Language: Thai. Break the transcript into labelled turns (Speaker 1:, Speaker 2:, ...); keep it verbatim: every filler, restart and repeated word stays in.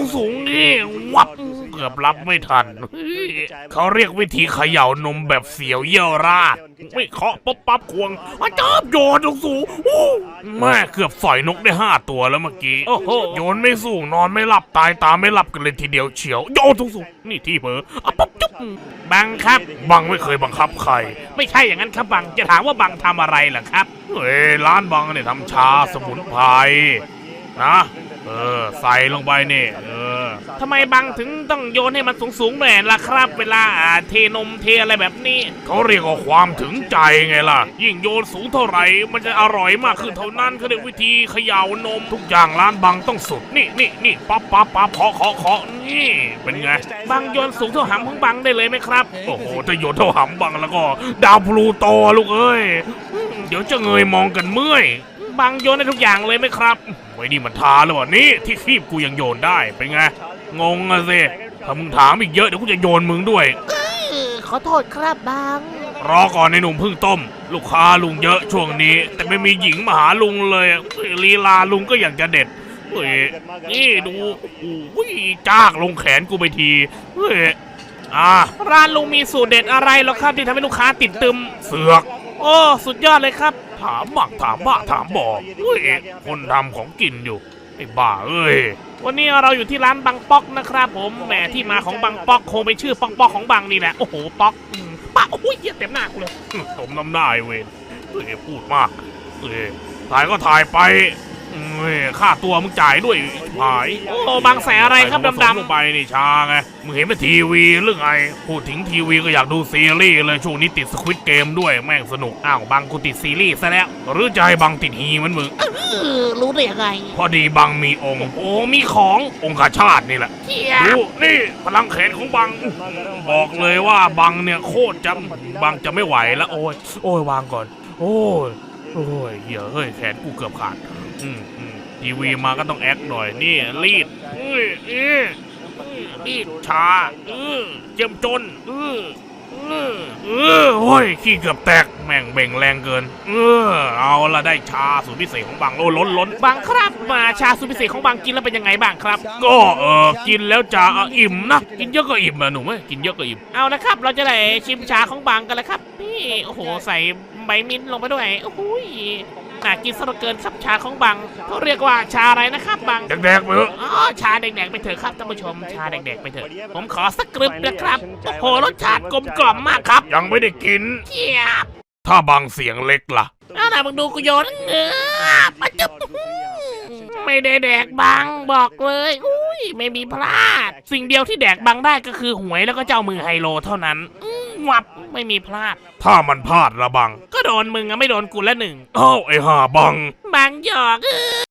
Speaker 1: สูงๆนี่วับเกือบรับไม่ทันเขาเรียกวิธีเขย่านมแบบเสียวเยี่ยวราดไม่เคาะป๊บปั๊บควงอาจารย์โยนสูงๆแม่เกือบสอยนกได้ห้าตัวแล้วเมื่อกี้โยนไม่สูงนอนไม่หลับตายตาไม่หลับกันเลยทีเดียวเฉียวโยนสูงๆนี่ที่เผลออ่ะปั๊บจุ๊บบังครับบังไม่เคยบังคับใครไม่ใช่อย่างนั้นครับบังจะถามว่าบังทำอะไรล่ะครับเฮ้ยร้านบังเนี่ยทำชาสมุนไพรนะเออใส่ลงไปนี่เออทำไมบังถึงต้องโยนให้มันสูงๆหน่อยล่ะครับเวลาเทนมเทอะไรแบบนี้เขาเรียกว่าความถึงใจไงล่ะยิ่งโยนสูงเท่าไหร่มันจะอร่อยมากขึ้นเท่านั้นเขาเรียกวิธีเขย่านมทุกอย่างร้านบังต้องสุดนี่นี่นี่ปั๊บปั๊บปั๊บเคาะเคาะเคาะนี่เป็นไงบังโยนสูงเท่าหำของบังได้เลยไหมครับโอ้โหถ้าโยนเท่าหำบังแล้วก็ดาวพลูโตลูกเอ้ยเดี๋ยวจะเงยมองกันเมื่อยบังโยนได้ทุกอย่างเลยไหมครับไว้นี่มันทาหรือเปล่านี่ที่คีบกูยังโยนได้เป็นไงงงอะสิถ้ามึงถามอีกเยอะเดี๋ยวกูจะโยนมึงด้วย
Speaker 2: ขอโทษครับบัง
Speaker 1: รอก่อนในหนุ่มพึ่งต้มลูกค้าลุงเยอะช่วงนี้แต่ไม่มีหญิงมาหาลุงเลยลีลาลุงก็อยากจะเด็ดเฮ้ยนี่ดูโอ้ยจ้ากลงแขนกูไปทีเฮ้ยอ่าร้านลุงมีสูตรเด็ดอะไรหรอครับที่ทำให้ลูกค้าติดตึมเสือกโอ้สุดยอดเลยครับถามบักถามบ้าถามบอกเฮ้ยคนทำของกินอยู่ไอ้บ้าเอ้ยวันนี้เราอยู่ที่ร้านบังป๊อกนะครับผมแหมที่มาของบังป๊อกคงเป็นชื่อป๊อกป๊อกของบังนี่แหละโอ้โหป๊อกป้าโอ้ยเต็มหน้ากูเลยสมน้ำหน้าเว้ยเฮ้ยพูดมากเฮ้ยถ่ายก็ถ่ายไปเฮ้ยค่าตัวมึงจ่ายด้วยหายโอ้บางแสอะไรครับดำๆลงไปนี่ชาไงมึงเห็นเป็นทีวีหรือไงพูดถึงทีวีก็อยากดูซีรีส์เลยช่วงนี้ติดสควิดเกมด้วยแม่งสนุกอ้าวบังกูติดซีรีส์ซะแล้วหรือใจบังติดฮีมันมึง
Speaker 2: รู้ได้ยังไง
Speaker 1: พอดีบังมีองค์โอ้มีขององค์ชาตินี่แหละดูนี่พลังแขนของบังบอกเลยว่าบังเนี่ยโคตรจำบังจะไม่ไหวแล้วโอ้ยโอ้ยวางก่อนโอ้ยโอ้ยเหี้ยเฮ้ยแขนกูเกือบขาดอืมอืมทีวีมาก็ต้องแอคหน่อยนี่รีดอื้ออื้อรีดชาอื้อเจ็มจนอื้ออื้ออื้อโอ้ยขี้เกือบแตกแม่งเบ่งแรงเกินเออเอาละได้ชาสูตรพิเศษของบังโอ้ล้นล้นบังครับมาชาสูตรพิเศษของบังกินแล้วเป็นยังไงบ้างครับก็เออกินแล้วจะอิ่มนะกินเยอะก็อิ่มนะหนูไหมกินเยอะก็อิ่มเอาละครับเราจะได้ชิมชาของบังกันแล้วครับนี่โอ้โหใส่ใบมิ้นท์ลงไปด้วยโอ้โหน่ากินซะเหลือเกินครับชาของบังเขาเรียกว่าชาอะไรนะครับบังแดกๆไปเถอะอ๋อชาแดกๆไปเถอะครับท่านผู้ชมชาแดกๆไปเถอะผมขอสักกรึบนะครับโอ้โหรสชาติกลมกล่อมมากครับยังไม่ได้กินเทียบถ้าบังเสียงเล็กล่ะเอาล่ะมึงดูกูโยนเงือบมาจุ๊บไม่ได้แดกบังบอกเลยอุ้ยไม่มีพลาดสิ่งเดียวที่แดกบังได้ก็คือหวยแล้วก็เจ้ามือไฮโลเท่านั้นวับไม่มีพลาดถ้ามันพลาดละบังก็โดนมึงอะไม่โดนกูละหนึ่งอ้าวไอ้ห่าบังบังหยอก